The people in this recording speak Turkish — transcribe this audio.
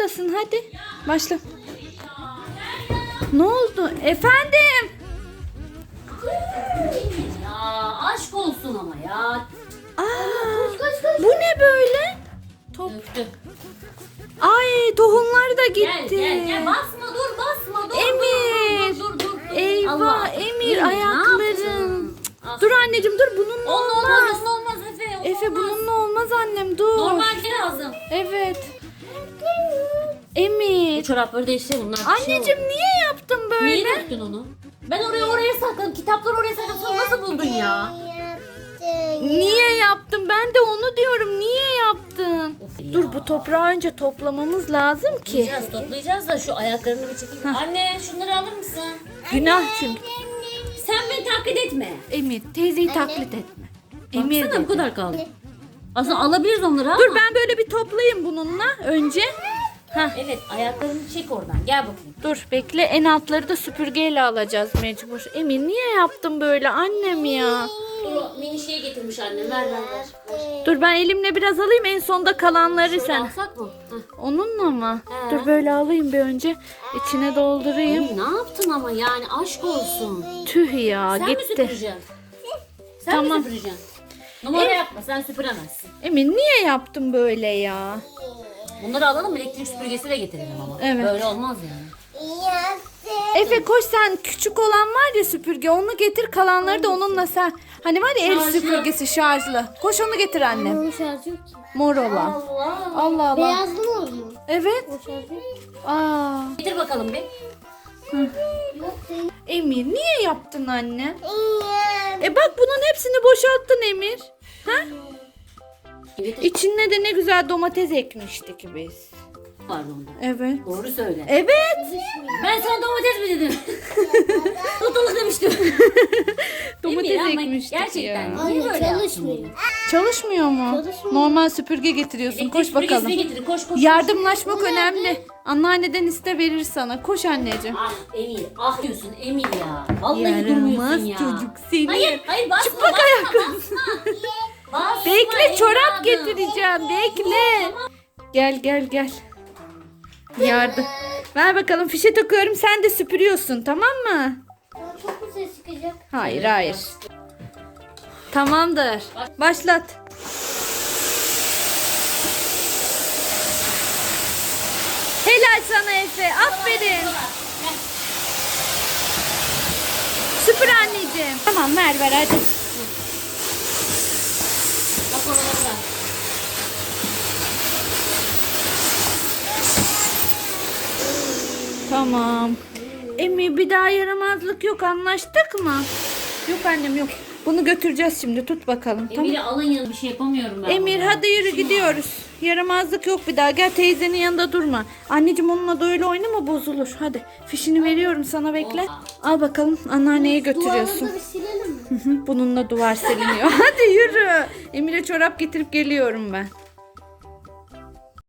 başlasın hadi. Başla. Ne oldu? Efendim? Ya aşk olsun ama ya. Aa, bu ne böyle? Top. Döktü. Ay tohumlar da Gel gitti. gel basma dur. Emir. Dur. Eyvah Allah. Emir Ne ayakların. yaptın? Ah. Dur anneciğim dur bununla olmaz. Onunla olmaz Efe. Efe bununla olmaz annem dur. Normalde lazım. Evet. Bu Emir. çorapları değiştir bunlar. Anneciğim niye yaptın böyle? Niye döktün onu? Ben oraya sakladım. Kitapları oraya sakladım. Sen nasıl buldun ya? Niye yaptın? Ben de onu diyorum. Niye yaptın? Of ya. Dur bu toprağı önce toplamamız lazım ki. Toplayacağız da şu ayaklarını bir çekeyim. Anne şunları alır mısın? Günah çünkü. Sen beni taklit etme. Emir teyzeyi taklit etme. Emir Baksana bu dedi. kadar kaldı. Aslında alabiliriz onları ama. Dur ben böyle bir toplayayım bununla önce. Hah. Evet ayaklarını çek oradan. Gel bakayım. Dur bekle en altları da süpürgeyle alacağız mecbur. Emir niye yaptın böyle annem ya? Dur o mini şeyi getirmiş annem. Ver. Dur ben elimle biraz alayım en sonda kalanları Şöyle sen. alsak mı? Heh. Onunla mı? He. Dur böyle alayım bir önce. İçine doldurayım. Ne yaptın ama yani aşk olsun. Tüh ya Sen mi gitti. süpüreceksin? Sen Tamam. mi süpüreceksin? Numara yapma sen süpüremezsin. Emir niye yaptın böyle ya? Bunları alalım elektrik süpürgesi de getirelim ama. Evet. Böyle olmaz yani. Efe koş sen küçük olan var ya süpürge onu getir kalanları da onunla sen. Hani var ya el Şarjlı. süpürgesi şarjlı. Koş onu getir annem. Onun şarjı yok ki. Mor olan. Allah. Allah Allah. Beyazlı mı oldu? Evet. O şarjı yok ki. Aa. Getir bakalım bir. Yok değil. Emir niye yaptın anne? Bak bunun hepsini boşalttın Emir. Ha? Getir. İçine de ne güzel domates ekmiştik biz. Pardon. Evet. Doğru söyle. Evet. Ben sana domates mi dedim? Tutuluk demiştim. Domates Emir ama ekmiştik gerçekten ya. niye Hayır böyle çalışmıyor. yaptın? Çalışmıyor mu? Çalışmıyor. Normal süpürge getiriyorsun. Elektrik Koş süpürgesini bakalım. getir. Koş. Yardımlaşmak önemli. Anneanneden iste verir sana. Koş anneciğim. Ah Emir. Ah diyorsun Emir ya. Vallahi durmuyorsun Yaramaz ya. çocuk seni. Hayır basma. Çıplak ayakkabı. Basma Bekle çorap evladım. getireceğim. Bekle. Gel. Yardım. Ver bakalım fişe takıyorum sen de süpürüyorsun tamam mı? Çok mu ses çıkacak? Hayır. Tamamdır. Başlat. Helal sana Efe. Aferin. Süpür anneciğim. Tamam ver hadi. Bak oraları da. Tamam. Emmi bir daha yaramazlık yok anlaştık mı? Yok annem yok. Bunu götüreceğiz şimdi tut bakalım. Tamam. Emir'i alın yanına bir şey yapamıyorum ben. Emir burada. hadi yürü gidiyoruz. Yaramazlık yok bir daha. Gel teyzenin yanında durma. Anneciğim onunla da öyle oynama bozulur. Hadi fişini veriyorum sana bekle. Al bakalım anneanneye götürüyorsun. Duvarları bir silelim mi? Bununla duvar siliniyor. Hadi yürü. Emir'e çorap getirip geliyorum ben.